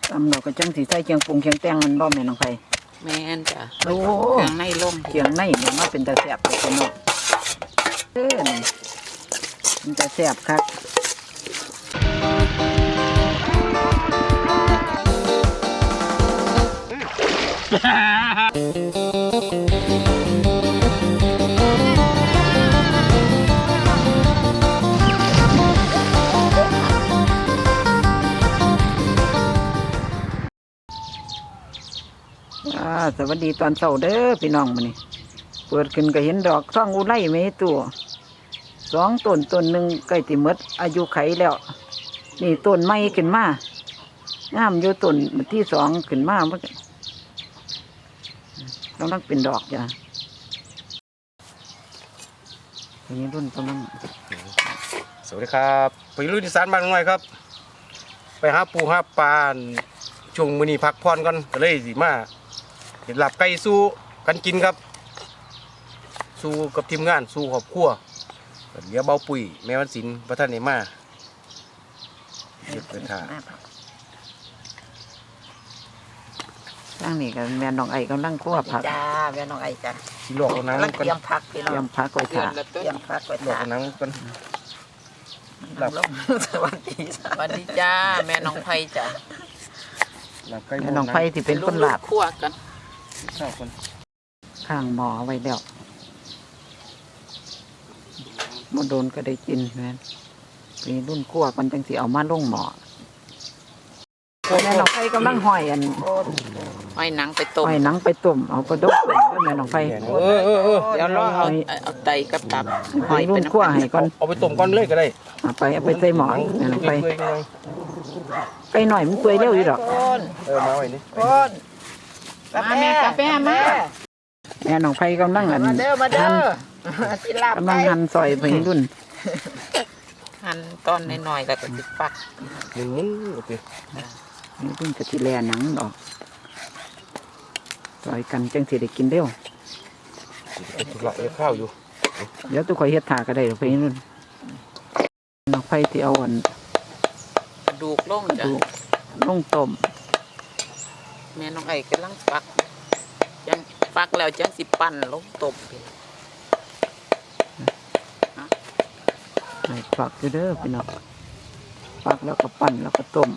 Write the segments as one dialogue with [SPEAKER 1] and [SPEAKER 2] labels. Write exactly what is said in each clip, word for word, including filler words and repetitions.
[SPEAKER 1] ตำเราก็จังสีใส่เคียงปรุงเคียงแตงมันบ่แม่น้องไผ
[SPEAKER 2] แม่นจ้ะ
[SPEAKER 1] โอ้
[SPEAKER 2] เครื่องในล่ม
[SPEAKER 1] เคียงในเนี่ยมาเป็นตาแซ่บเลยเนาะเอ้ยมันตาแซ่บครับสวัสดีตอนเช้าเด้อพี่น้องมื้อนี้เปิดขึ้นก็เห็นดอกท่องอุไรไม่ตัวสองต้นต้นหนึ่งใกล้ติหมดอายุไขแล้วนี่ต้นใหม่ขึ้นมางามอยู่ต้นที่สองขึ้นมาเมื่อกี้กำลังเป็นดอกจ้ะทีนี้รุ่นกำลัง
[SPEAKER 3] สวัสดีครับไปลุยที่สารบ้านง่อยครับไปหาปูหาปลาช่วงมื้อนี้พักผ่อนกันก็เลยสิมาเห็นหลับไก่สู้กันกินครับสู้กับทีมงานสู้ครอบครัวเดี๋ยวเบาปุ๋ยแม่วันศิลป์พระท่านเนมาเก็บไปถ่า
[SPEAKER 1] ตั้งนี่กันแม่น้องไอ้กำลังคั่วผัก
[SPEAKER 2] จ้าแม่น้องไอ้จ้ะ
[SPEAKER 3] สิลวกเอาน้ำ
[SPEAKER 2] เตรียมผักพี่น้อง
[SPEAKER 1] เตรียมผักไว้ถ่า
[SPEAKER 2] เตรียมผักไว้
[SPEAKER 3] ลวก
[SPEAKER 2] ถ่า
[SPEAKER 3] เอาน้ำกัน
[SPEAKER 2] หลับสวัสดีสวัสดีจ้าแม่น้องไผ่จ้ะ
[SPEAKER 1] แม่น้องไผ่ที่เป็นคนหลับ
[SPEAKER 2] คั่วกัน
[SPEAKER 3] ข้าวคน
[SPEAKER 1] ข้างหม้อไว้แล้วมาโดนก็ได้กินแม่นี่รุ่นคั่วกันจังสิเอามาลงหม้อแม่น้องไผ่กำลังห้อยอัน
[SPEAKER 2] ห้อยหนังไปต้ม
[SPEAKER 1] ห้อยหนังไปต้มเอากระดกต้มแม่น้องไผ่
[SPEAKER 3] เออเออเออ
[SPEAKER 2] เดี๋ยวรอเอาเอาไตกับตับ
[SPEAKER 1] ห้อยรุ่นคั่วให้ก่อน
[SPEAKER 3] เอาไปต้มก่อนเลยก็ได้
[SPEAKER 1] เอาไปเอาไปใส่หม้อแม่น้องไผ่ไก่หน่อยมันเปื่อยเร็วอยู่ดอก
[SPEAKER 3] เออมาไว้นี่
[SPEAKER 2] มาแม่กาแฟมา
[SPEAKER 1] แม่น้องไผ่กำลังอันหั่นกำลังหั่นซอยไปรุ่น
[SPEAKER 2] หั่นตอนน้อยๆแล้วก็ติดปัก
[SPEAKER 3] หนึ่งมุ้งโอเค
[SPEAKER 1] นี่รุ่นจะที่แลหนังดอกซอยกันจังสิได้กินเร็ว
[SPEAKER 3] ถูกหลักเอาข้าวอยู่
[SPEAKER 1] เดี๋ยวตัวคอยเฮ็ดถาก็ได้ไปรุ่นน้องไผ่ที่เอาอัน
[SPEAKER 2] กระดูกล่งจ้ะ
[SPEAKER 1] ลงต้ม
[SPEAKER 2] แม่น้องไอ้กำลังปักยังปักแล้วจังสิปั่นลงต้ม
[SPEAKER 1] ให้ปักอยู่เด้อพี่น้องปักแล้วก็ปั่นแล้วก็ต้ม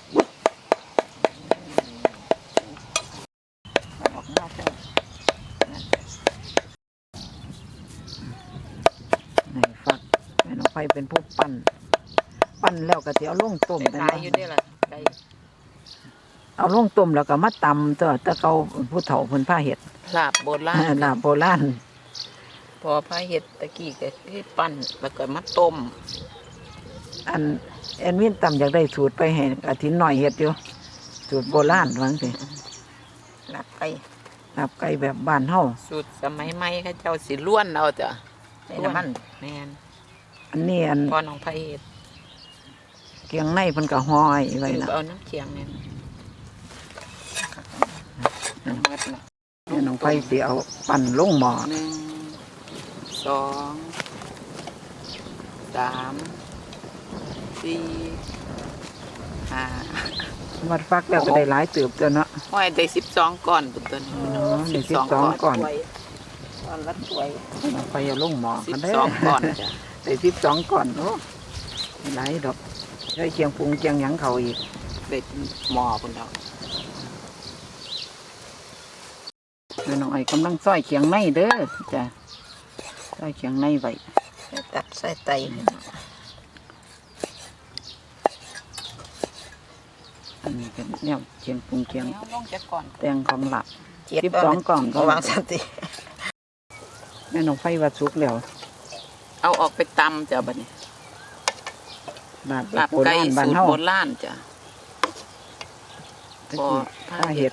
[SPEAKER 1] ให้ฟักแม่น้องไผ่เป็นผู้ปั่นปั่นแล้วก็สิเอาลงต้ม
[SPEAKER 2] ได้หลายอยู่เด้ล่ะไก่
[SPEAKER 1] เอาลงต้มแล้วก็มาตำตัวตะเกาผู้เฒ่าเพิ่นพาเฮ็ด
[SPEAKER 2] ลาบโบราณ
[SPEAKER 1] ลาบโบราณ
[SPEAKER 2] พอพาเฮ็ดตะกี้ก็คือปั้นแล้วก็มาต้ม
[SPEAKER 1] อันแอนวินตำอยากได้สูตรไปให้อาทิตย์หน่อยเฮ็ดอยู่สูตรโบราณว่าจังซี่
[SPEAKER 2] ลาบไก่
[SPEAKER 1] ลาบไก่แบบบ้านเฮา
[SPEAKER 2] สูตรสมัยใหม่เขาเจ้าสิล้วนเอาจ้ะในน้ำมันแม่น
[SPEAKER 1] อันนี้อัน
[SPEAKER 2] พอน้องไผเฮ็ด
[SPEAKER 1] เกียงในเพิ่นก็ห้อยไว้น่ะ
[SPEAKER 2] เอาน้ำเคียงนี่
[SPEAKER 1] น้องไผ่สิเอาปั่นลงหม้อ
[SPEAKER 2] หนึ่งสองสามสี่ห้า
[SPEAKER 1] วัดฟักแล้วก็ได้หลายเติบตัวเนาะ
[SPEAKER 2] ห้อยได้สิบสองก้อนตัวนี้
[SPEAKER 1] สิบสองก้อน
[SPEAKER 2] ก้อนละถ้วย
[SPEAKER 1] น้องไผ่เอาลงหม้อ
[SPEAKER 2] สิบสองก้อนจ้ะ
[SPEAKER 1] ได้สิบสองก้อนโอ้หลายดอกได้เคียงปรุงเคียงหยังเขาอีก
[SPEAKER 2] ได้หม้อพุ่นดอก
[SPEAKER 1] แม่น้องไอ้กำลังซอยเคียงในเด้อจ้ะซอยเคียงในไว้
[SPEAKER 2] ตัดใส่ไต
[SPEAKER 1] อันนี้เป็นแนวเคียงปรุงเคียงแตงของหลับ
[SPEAKER 2] สิ
[SPEAKER 1] บสองกล่อง
[SPEAKER 2] ก็วางสติ
[SPEAKER 1] แม่น้องไฟวัดสุกแล้ว
[SPEAKER 2] เอาออกไปตำจ้ะบัดนี้
[SPEAKER 1] ลาบไก่สูตร
[SPEAKER 2] โบราณจ้ะ
[SPEAKER 1] พอผ้าเห็ด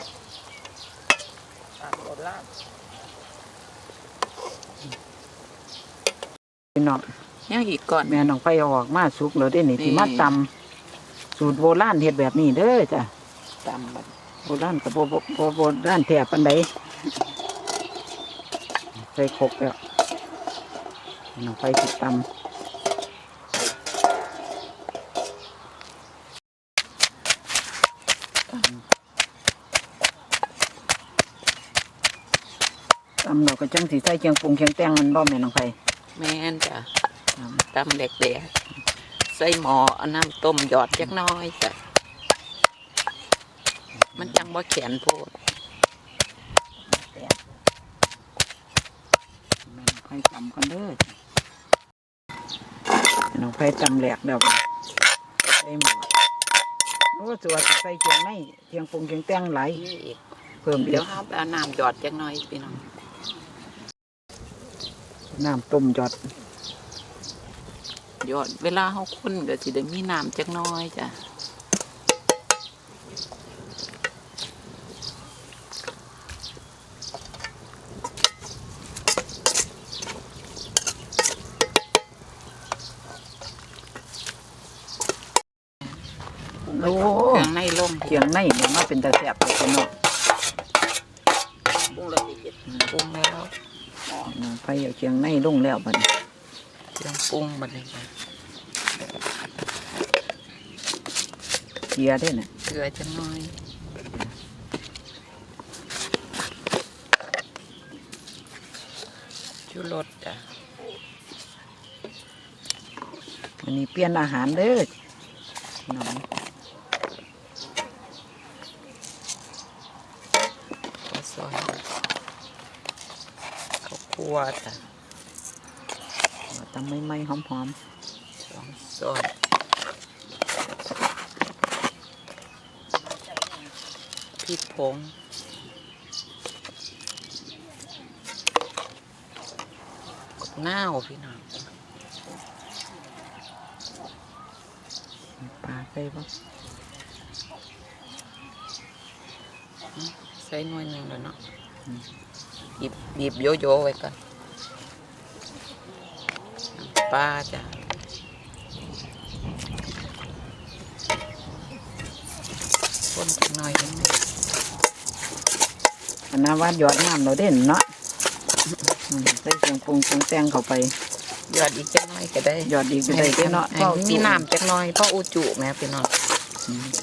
[SPEAKER 1] พี่น้อง
[SPEAKER 2] ยังอีกก่อน
[SPEAKER 1] แม่น้องไฟออกมาสุกแล้วได้นี่ที่มาตำสูตรโบราณเห็ดแบบนี้เด้อจ้ะ
[SPEAKER 2] ตำแบบ
[SPEAKER 1] โบราณกับโบโบโบราณแถบปันใดใส่ครกแล้วน้องไฟติดตำตำเราก็จังสีใส่เคียงปรุงเคียงแตงมันบ่แม่น้องไผ
[SPEAKER 2] แม่นจ้ะตำเด็กเด็กใส่หม้อเอาน้ำต้มหยอดจักหน้อยจ้ะมันจังบ่แข็งโพด
[SPEAKER 1] แม่น้องไผตำกันเด้อแม่น้องไผตำแหลกเดี๋ยวใส่หม้อโอ้ตัวาสิใส่เคียงในเคียงปรุงเคียงแตงหลาย
[SPEAKER 2] นี่อีก
[SPEAKER 1] เพิ่มอี
[SPEAKER 2] เดี๋ย
[SPEAKER 1] ก
[SPEAKER 2] วเอาไปเอาน้ำหยอดจักหน้อยพี่น้อง
[SPEAKER 1] น้ำต้มยอด
[SPEAKER 2] หยอดเวลาเฮาคนก็สิได้มีน้ำจักหน้อยจ้ะ
[SPEAKER 1] โอ้
[SPEAKER 2] เครื่องในลง
[SPEAKER 1] เคียงในเนี่ยมาเป็นตาแซ่บเลยพี่น้อง
[SPEAKER 2] ปรุงแล้วสิปรุงแล้ว
[SPEAKER 1] น้องไผเอาเคียงในลงแล้วบัดนี้
[SPEAKER 2] เครื่องปรุงบัดนี้จ้ะ
[SPEAKER 1] เกียร์ได้น่ะ
[SPEAKER 2] เกลือจักหน้อยชูรสจ้ะ
[SPEAKER 1] วันนี้เปลี่ยนอาหารเด้อน้อง
[SPEAKER 2] ข้าวซอยข้าวคั่วจ้ะ
[SPEAKER 1] เอาตำใหม่ๆหอม
[SPEAKER 2] สองส่วนพริกผงกบหน้าวพี่น้อง
[SPEAKER 1] ๆปลาใส่บ่
[SPEAKER 2] ใส่หน่วยหนึ่งแล้วเนาะบีบบีบโยโย่ไว้ก่อนน้ำปลาจ้ะคนจักหน่อยเองนะ
[SPEAKER 1] อันนั้นว่าหยอดน้ำเราเด่นเนาะอืมใส่เคียงปรุงเคียงแตงเข้าไป
[SPEAKER 2] หยอดอีกจักหน่อยก็ได้
[SPEAKER 1] หยอดอีกก็ได้เด้อเนาะ
[SPEAKER 2] ให้มีน้ำจักหน่อยเพราะอุจุแม่พี่น้อง
[SPEAKER 1] อืม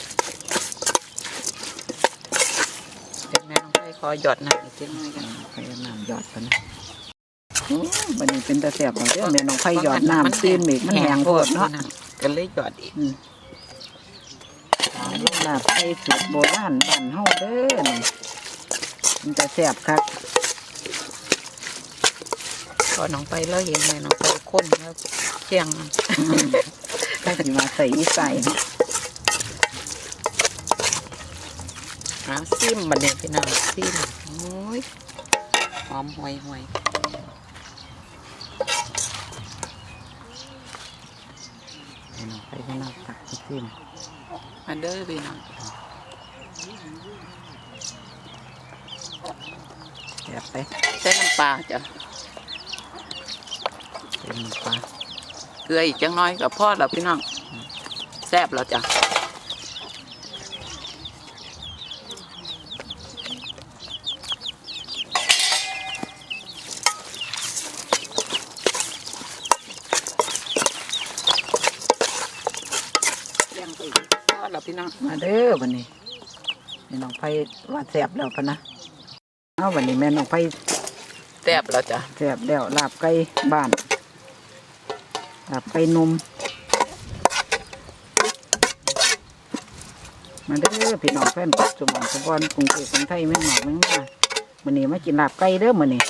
[SPEAKER 2] เดี๋ยวแม่ต้องไปขอหยอดน้ำอีกจักหน่อยกัน
[SPEAKER 1] ไผเอาน้ำหยอดไปนะโอ้บัดนี้เป็นตาแซ่บเอาเด้อแม่น้องไผหยอดน้ำซีนอีกมันแห้งโพดเนาะ
[SPEAKER 2] ก็เลยหยอดอีก
[SPEAKER 1] อืมลูกลาบไทยสูตรโบราณบ้านเฮาเด้อนี่มันจะแซ่บคัก
[SPEAKER 2] พอน้องไปแล้วเห็นแม่น้องไปค้นแล้วเชียงมัน
[SPEAKER 1] ถ้าสิมาใส่อีใส่เนาะ
[SPEAKER 2] หาซิมบัดนี้พี่น้องซิมโอ้ยหอมห่วยห่วย
[SPEAKER 1] แม่น้องไผก็น่าตักให้ซิม
[SPEAKER 2] มาเด้อพี่น้อง
[SPEAKER 1] แซ่บไป
[SPEAKER 2] ใส่น้ำปลาจ้ะ
[SPEAKER 1] เป็นปลา
[SPEAKER 2] เกลืออีกจังน้อยกับพ่อแล้วพี่น้องแซ่บแล้วจ้ะยังไปอีกพ่อแล้วพี่น้อง
[SPEAKER 1] มาเด้อวันนี้แม่น้องไผว่าแซ่บแล้วปะนะเอาวันนี้แม่น้องไผ
[SPEAKER 2] แซ่บแล้วจ้ะ
[SPEAKER 1] แซ่บแล้วลาบไก่บ้านลาบไก่นมมาเด้อพี่น้องแฟนปัจจุบันสปอนกรุงเทพกรุงไทยแม่งหมอกแม่งมามื้อนี้มากินลาบไก่เด้อมื้อนี้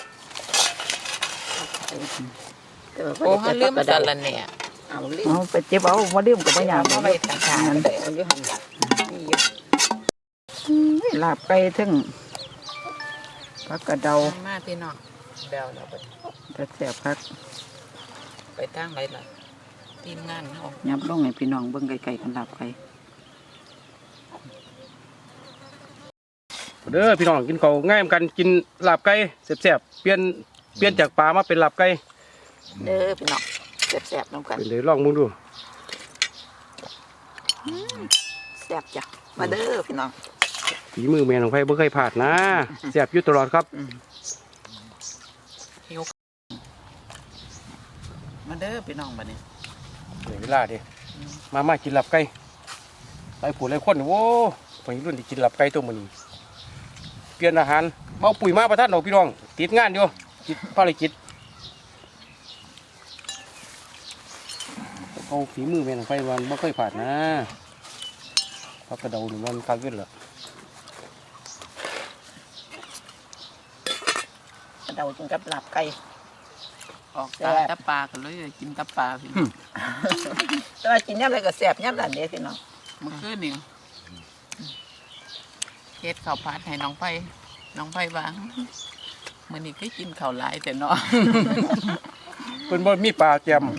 [SPEAKER 2] โอ้ฮะลืมสารเนี่ยเอาลืม
[SPEAKER 1] เอาไปเจ็บเอาบ่ลืมก็บ่อยาก
[SPEAKER 2] เอาไปทางทางไปเอาอยู่หันนี่อยู่
[SPEAKER 1] อื้อลาบไก่ถึงผักกระเดา
[SPEAKER 2] มาพี่น้องเดาแล้วไป
[SPEAKER 1] จะแซ่บคัก
[SPEAKER 2] ไปทางไหนล่ะทีมงานเฮา
[SPEAKER 1] ยับลงให้พี่น้องเบิ่งไกลๆกันลาบไก่
[SPEAKER 3] เด้อพี่น้องกินข้าวง่ายเหมือนกันกินลาบไก่แซ่บๆเปลี่ยนเปลี่ยนจากปลามาเป็นลาบไก่
[SPEAKER 2] เด้อพี่น้องแซ่บๆน้ำกัน
[SPEAKER 3] เป็นเลยลองมึงดู
[SPEAKER 2] แซ่บจ้ะมาเด้อพี่น้อง
[SPEAKER 3] ฝีมือแม่ของไผบ่เคยพลาดนะแซ่บอยู่ตลอดครับ
[SPEAKER 2] หิวมาเด้อพี่น้องบัดนี้
[SPEAKER 3] เดี๋ยวเวลาดิมามากินลาบไก่ลไปผูดเลยคนโว้พอยรุ่นที่กินหลับไก่ตัวมันเปลี่ยนอาหารเบาปุ๋ยมาประทัดเราพี่น้องติดงานอยู่ติดภารกิจเอาฝีมือแม่นไฟวันไม่ค่อยผ่านนะพักกระเดาหนึ่งวันคักขึ้นละ
[SPEAKER 1] เดาจนกับหลับไก่
[SPEAKER 2] ออกตาตะปลากันเลยกินตะปลาพี่น้อง
[SPEAKER 1] แต่ว่ากินย่ำอะไรก็แซ่บย่ำหลานเด้พี่น้อง
[SPEAKER 2] เมื่อคืนนี่เฮ็ดข้าวผัดให้น้องไผ่น้องไผ่วางมื้อนี้ก็กินข้าวหลายแต่เนาะ
[SPEAKER 3] เป็นบ่มีปลาแจม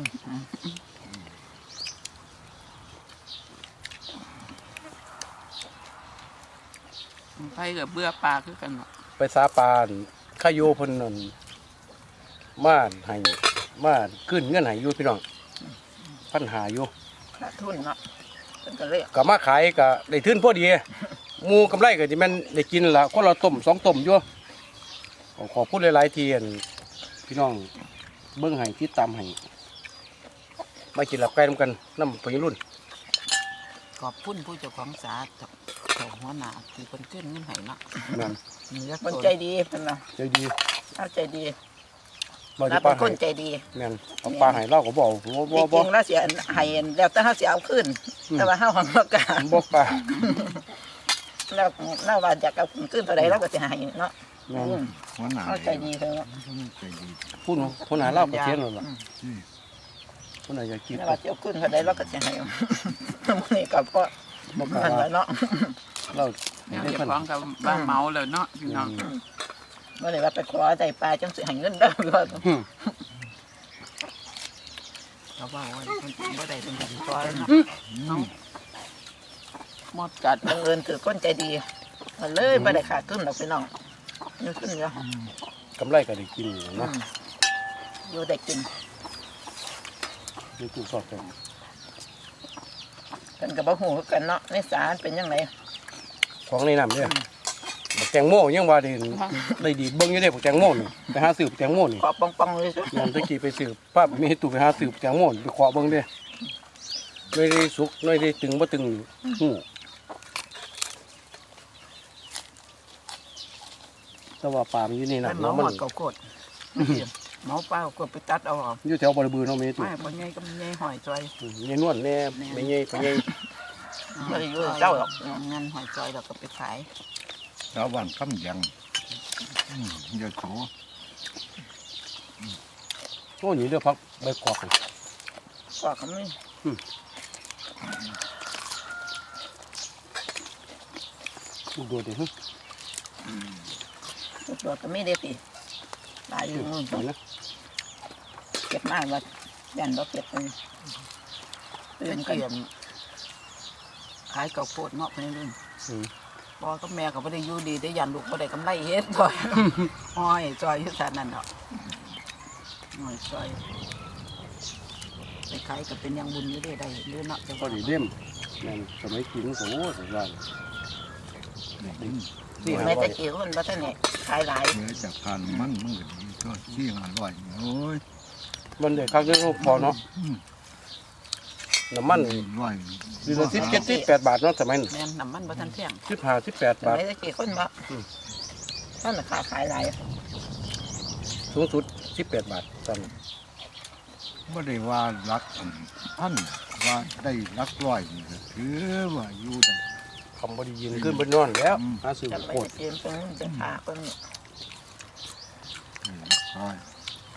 [SPEAKER 2] น้องไผ่ก็เบื่อปลาคือกันเนาะ
[SPEAKER 3] ไปสาปานข้าโยเพิ่นนั่นมาให้มาขึ้นเงินให้อยู่พี่น้องปัญหาอยู่
[SPEAKER 1] ขาดทุนเนาะเป็นก็เลย
[SPEAKER 3] ก็มาขายก็ได้ทุนพอดีหมูกำไรก็สิแม่นได้กินละคนละต้มสองต้มอยู่ขอขอพูดหลายๆทีอันพี่น้องเบิ่งให้ติดตามให้มากินหลับไก่นำกันนำพยรุ่น
[SPEAKER 2] ขอบคุณผู้เจ้าของสากับเจ้าหัวหน้าที่เพิ่นขึ้นเงินให้เนาะ
[SPEAKER 3] แม่น
[SPEAKER 2] นี่ละ
[SPEAKER 1] คน
[SPEAKER 2] ตัว
[SPEAKER 1] ใจดีเพิ่นเนาะ
[SPEAKER 3] ใจดี
[SPEAKER 1] เอาใจดี
[SPEAKER 3] บ่
[SPEAKER 1] เรา
[SPEAKER 3] จะป
[SPEAKER 1] เป็
[SPEAKER 3] ลาน
[SPEAKER 1] ค
[SPEAKER 3] ให้
[SPEAKER 1] นใจดี
[SPEAKER 3] แม่นเอาปลาให้เราก็บ่บ่
[SPEAKER 1] จ
[SPEAKER 3] บ่บ่
[SPEAKER 1] ริงๆแล้วเสียให้แล้วแต่เฮาสิเอาขึ้น แต่ว่าเฮาของเรากล้า
[SPEAKER 3] บ่ปลา
[SPEAKER 1] แล้วเราว่าอยากเอาขึ้นเท่าใดเราก็สิให้เนาะ
[SPEAKER 3] แม่น
[SPEAKER 1] อืม
[SPEAKER 4] หัวหน้า
[SPEAKER 1] เอาใจดีเพิ่นเนาะ
[SPEAKER 4] ใจดี
[SPEAKER 3] พูดคนหาเราก็เทียนนั่นล่ะ
[SPEAKER 4] อืม
[SPEAKER 3] คนไหนอยากกิน
[SPEAKER 1] แล้วว่าสิเอาขึ้นเท่าใดเราก็สิให้มื้อนี้ก็เพราะ
[SPEAKER 3] บ่กล้า
[SPEAKER 1] มันว่าเนาะ
[SPEAKER 3] เรา
[SPEAKER 2] แล้ว
[SPEAKER 3] ได้
[SPEAKER 2] เจ้า
[SPEAKER 3] เพิ่น
[SPEAKER 2] ของกับบ้านเมาเลยเนาะพี่น้อง
[SPEAKER 1] บ่ได้ว่าไปขอได้ปลาจังสิให้เงินเด้อว่า
[SPEAKER 3] อืม
[SPEAKER 2] เขาบอกว่าเพิ่นบ่ได้เป็นสิขอแล้วเนาะเนาะหมดกัด
[SPEAKER 1] บังเอิญคือคนใจดีก็เลยบ่ได้ขาดทุนดอกพี่น้องมีขึ้นเยอะ
[SPEAKER 3] กำไรก็ได้กินอยู่เนาะ
[SPEAKER 1] อยู่ได้กิน
[SPEAKER 3] นี่กูสอดกัน
[SPEAKER 1] เพิ่นก็บ่ฮู้คือกันเนาะในสารเป็นจังได
[SPEAKER 3] ของในน้ำเนี่ยบักแตงโมยังว่าได้ได้ดีเบิ่งอยู่ได้บักแตงโมนี่ไปหาซื้อบักแตงโมนี่
[SPEAKER 1] ขอปองๆเลยซุ
[SPEAKER 3] ยามตะกี้ไปซื้อป้ามีให้ตู้ไปหาซื้อบักแตงโมนี่ไปขอเบิ่งเด้ไม่ได้สุกไม่ได้ตึงบ่ตึงหูแต่ว่าปลามันอยู่นี่
[SPEAKER 2] ไป
[SPEAKER 3] นะ
[SPEAKER 2] เมาห
[SPEAKER 3] มั
[SPEAKER 2] ม
[SPEAKER 3] น
[SPEAKER 2] ดเก่ากดเมาเปล่าก็ไปตัดเอาออก
[SPEAKER 3] อยู่แถวบริบูรณ์เนาะมีตู้
[SPEAKER 2] ไม่ปนใหญ่ก็มันใหญ่หอยจอย
[SPEAKER 3] ยายนวลแน่ไม่ใหญ่ไปใหญ่
[SPEAKER 1] บ่ได้อยู่เจ้าหรอก
[SPEAKER 2] งานหอยจอยเราก็ไปขาย
[SPEAKER 4] ชาวบ้านคำยังอืมเยอะโส
[SPEAKER 3] โอ้นี่เด้อพักใบกอกนี่
[SPEAKER 1] ขอก็มี
[SPEAKER 3] ลูกโดดดิฮึ
[SPEAKER 1] ตัวก็มีเด้อติหลายอยู่นู่น
[SPEAKER 3] เห็นนะ
[SPEAKER 1] เก็บมาว่ายันบ่เก็บมันตื่
[SPEAKER 2] เป็น น
[SPEAKER 1] กัน
[SPEAKER 2] เกียนขายเก่าโคตรเนาะไปเรื่อย
[SPEAKER 3] อืม
[SPEAKER 2] พ่อกับแม่ก็ไม่ได้อยู่ดีได้ยันลูกไม่ได้กำไรเฮ็ดจอยหอยจอยอยู่แค่นั้นเนาะหอยจอยไปขายก็เป็นอยังบุญอยู่ได้ได้เรื่อยเนาะจัง
[SPEAKER 3] พอดีเล่มแม่นสมัยกินก็โอ้สุดยอด นี่หา
[SPEAKER 1] แม่
[SPEAKER 3] ไว้
[SPEAKER 1] ตะกี้มันบ่ทันได้ขายหลาย
[SPEAKER 4] เหลือจากทานมันมันก็ดีก็ที่อร่อยโอ้ย
[SPEAKER 3] มันเด็กครั้งนี้พอเนาะ
[SPEAKER 4] อืม
[SPEAKER 3] น้ำมัน
[SPEAKER 4] อร่อย
[SPEAKER 3] ดีละสิบเจ็ดสิบแปดบาทเนาะสมัยนั้น
[SPEAKER 2] แม่นน้ำมันบ่ทันแพง
[SPEAKER 3] สิบห้าสิบแปด
[SPEAKER 1] ส
[SPEAKER 3] บาท
[SPEAKER 1] มัยตะกี้คนบ่ท่านน่ะขาขายหลาย
[SPEAKER 3] สูงสุดสิบแปดบาทตอนนั้น
[SPEAKER 4] ไม่ได้ว่ารักอันพันว่าได้รักร้อยนี่ก็ถือว่าอยู่ได้
[SPEAKER 3] คำบไดียินขึ้นบนนอนแล้ว
[SPEAKER 4] อืม
[SPEAKER 3] หาซื้อ
[SPEAKER 1] จำไม่
[SPEAKER 3] โคตร
[SPEAKER 1] ได้เกมเพิ่นจะขาเพิ่น
[SPEAKER 4] ได้รักร้อย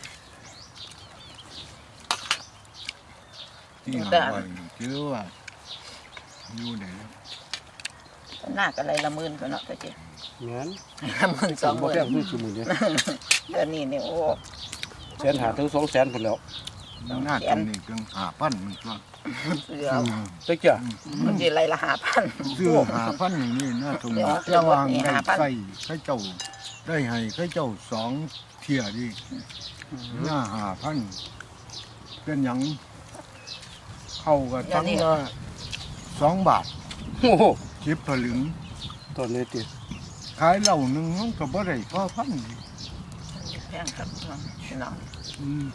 [SPEAKER 4] ที่อร่อยนี่ถือว่าอยู่ได้แล้ว
[SPEAKER 1] หน้าก็ไรละหมื่นพุ่นเนาะตะกี้
[SPEAKER 3] งั้น
[SPEAKER 1] ละหมื่นสองห
[SPEAKER 3] บ่
[SPEAKER 1] มื่น
[SPEAKER 3] แพงคือสมุนเนี่ย
[SPEAKER 1] เดือนนี้นี่โอ้
[SPEAKER 3] แสนหาถึงสองแสนพุ่นแล้ว
[SPEAKER 4] หน้าตรงนี้เพียงหาพันมันก็
[SPEAKER 1] เสือ
[SPEAKER 3] ตะเกีย
[SPEAKER 1] มันสิไรละห้าพัน
[SPEAKER 4] ซื้อหาพันอย่างนี้หน้าตรงนี้
[SPEAKER 1] เดี๋ยว
[SPEAKER 4] ระวาง
[SPEAKER 1] เดี๋ยว
[SPEAKER 4] ได้
[SPEAKER 1] หาพัน
[SPEAKER 4] ใส่ให้เจ้าได้ให้ให้เจ้าสองเที่ยดิหน้าหาพันเป็นหยังเข้ากับทั้งละสองบาท
[SPEAKER 3] โอ้โห
[SPEAKER 4] สิบผลึง
[SPEAKER 3] ตอนนี้ติ
[SPEAKER 4] ขายเหล้าหนึ่งมันก็บ่ได้พอพัน
[SPEAKER 1] แพงครับพี่น้อง
[SPEAKER 4] อืม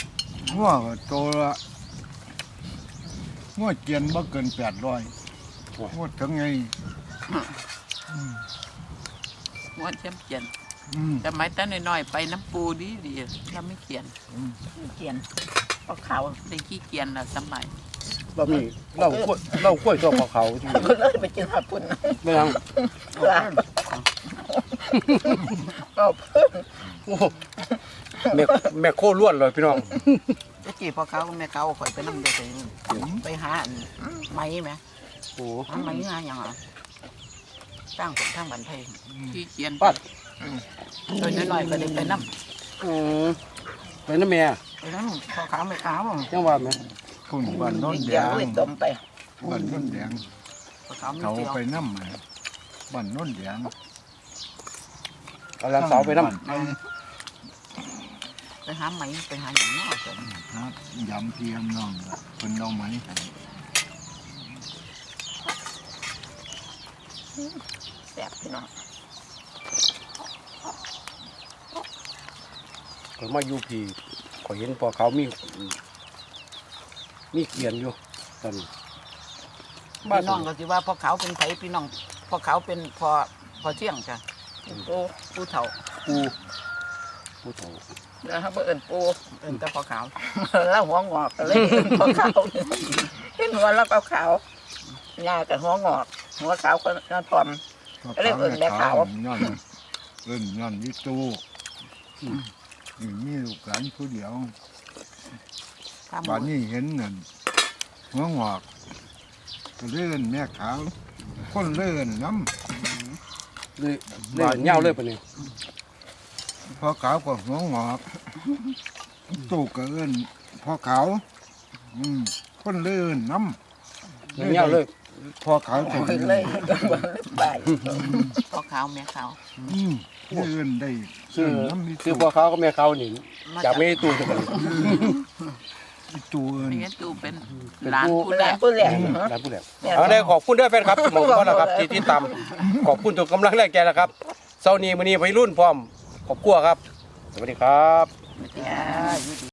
[SPEAKER 4] หัวก็ตัวละหัวเกียนบ่เกินแปดร้อยหมดทั้งไง
[SPEAKER 2] ม้วนเช่มเขียน
[SPEAKER 4] อืม
[SPEAKER 2] แต่ไม้ตั้งน้อยๆไปน้ำปูดีดีเราไม่เขียน
[SPEAKER 4] อืม
[SPEAKER 2] เขียนเพราะเขาได้ขี้เกียจละสมัย
[SPEAKER 3] เรามีเรากล้วยเรากล้วยตัวเขาเขาที่
[SPEAKER 2] เลยไปกินผัดปุ่น
[SPEAKER 3] ไม่ยัง
[SPEAKER 2] ก็
[SPEAKER 3] โอ้แม่แม่โคล้วนเลยพี่น้อง
[SPEAKER 2] จะจีพอเขาแม่เขาคอยไปนั่งเด็กไปหาไม้ไหม
[SPEAKER 3] โอ้
[SPEAKER 2] หาไม้งานอย่างอ่ะตั้งทั้งบันเทิงขี้เกียจ
[SPEAKER 3] ปัด
[SPEAKER 2] ตัวน้อยๆก็ได้ไปนั่ง
[SPEAKER 3] อืมไปน้ำแม่
[SPEAKER 2] ไปนั่งพอเขาไม่เขา
[SPEAKER 3] ยังว่าไหม
[SPEAKER 4] คุณบ้านโน้นแด
[SPEAKER 2] เดี๋ยว
[SPEAKER 4] ง
[SPEAKER 2] เลยต้มไป
[SPEAKER 4] บ้านโน้นแดง
[SPEAKER 2] พอเขาไม่
[SPEAKER 4] เขา
[SPEAKER 2] เจียว
[SPEAKER 4] ไปน้ำมาบ้านโน้นแดง
[SPEAKER 3] กำลังสาวไปน้
[SPEAKER 2] ไปหาไม้ไปหาอย่างนี้
[SPEAKER 4] ครับยำเทียมน้องคนน้องไหม
[SPEAKER 2] แซ่บพี่น้อง
[SPEAKER 3] ำข่อยมาอยู่พี่ข่อยเห็นพอเขามีมีเกียนอยู่ตอนนี้บ้าน
[SPEAKER 2] พี่น้องก็สิว่าพอเขาเป็นไผพี่น้องพอเขาเป็นพอพอเที่ยงจ้ะปูปูเถา
[SPEAKER 3] ปูปูโถ
[SPEAKER 2] แล้วเขาเอิ้นปูเอิ้นแต่พอขาว แล้วหัวงอกก็เลยเอิ้นพอขาวเห็นหัวแล้วก็ขาวหน้ากับหัวงอก หัวขาวก็หน้าทอม เรียกเอิ้นแม่ขาว
[SPEAKER 4] ย้อนเอิ้นย้อนวิตูนี่มีลูกหลานผู้เดียว
[SPEAKER 2] ข้าม
[SPEAKER 4] บ้านนี้เห็นนั่นหัวงอกก็เลื่อนแม่ขาวคนเลื่อนน้
[SPEAKER 3] เลยเลยเหงาเลยปะเนี่ย
[SPEAKER 4] ำพอขาวก็หัวงอกตู้ก็เลื่อนพอขาวอืมคนเลื่อนน้ำ
[SPEAKER 3] เลยเหงาเลย
[SPEAKER 4] พอขาวจะ
[SPEAKER 2] เลยเลยไปพอขาวแม่ขาว
[SPEAKER 4] อืมเลื่อนได้
[SPEAKER 3] ซื้อ
[SPEAKER 4] เลื่อนน้ำมี
[SPEAKER 3] ซื้อ
[SPEAKER 4] ตู้
[SPEAKER 3] พอเขาก็แม่เขานี่จากไม่ตู้จะเป็น
[SPEAKER 4] ตู้เอิ้น
[SPEAKER 2] นี่งั้นตูเป็น
[SPEAKER 3] เป็น
[SPEAKER 2] หลาน
[SPEAKER 3] ผู้
[SPEAKER 2] ผู้แรกผู้แรก
[SPEAKER 3] ร้านผู้แหลมเอาได้ขอบคุณด้วยแฟนครับสมองพ่อแล้วครับที่ที่ตามขอบคุณทุกกำลังแรงใจนะครับเช้านี้มื้อนี้วัยรุ่นพร้อมขอบคุณครับ สวัสดีครับ
[SPEAKER 2] จ้าอยู่ดี